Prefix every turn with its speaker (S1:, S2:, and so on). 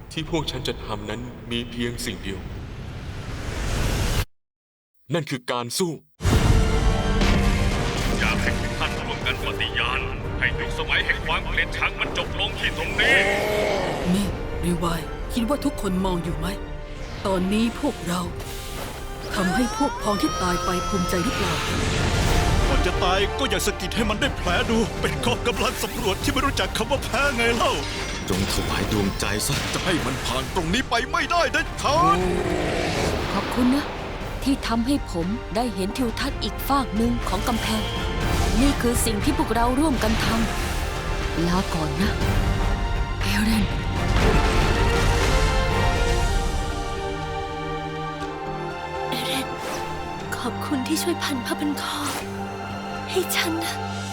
S1: ที่พวกฉันจะทำนั้นมีเพียงสิ่งเดียว นั่นคือการสู้
S2: อยากให้ทุกท่านร่วมกันปฏิญาณให้ยุคสมัยแห่งความเกลียดชังมันจบลงที่ตรงนี้
S3: นี่รีวายคิดว่าทุกคนมองอยู่ไหม ตอนนี้พวกเราทำให้พวกพ้องที่ตายไปภูมิใจหรือเปล่า
S4: ก่อนจะตายก็อย่าสะกิดให้มันได้แผลดู เป็นกองกำลังสำรวจที่ไม่รู้จักคำว่าแพ้ไงเล่า
S5: จงถวายดวงใจซะ
S4: จะให้มันผ่านตรงนี้ไปไม่ได้เด็ดขาด
S6: ขอบคุณนะ ที่ทำให้ผมได้เห็นทิวทัศน์อีกฟากหนึ่งของกำแพง นี่คือสิ่งที่พวกเราร่วมกันทำลาก่อนนะเอเรน
S7: เอเรนขอบคุณที่ช่วยพันผ้าพันคอให้ฉันนะ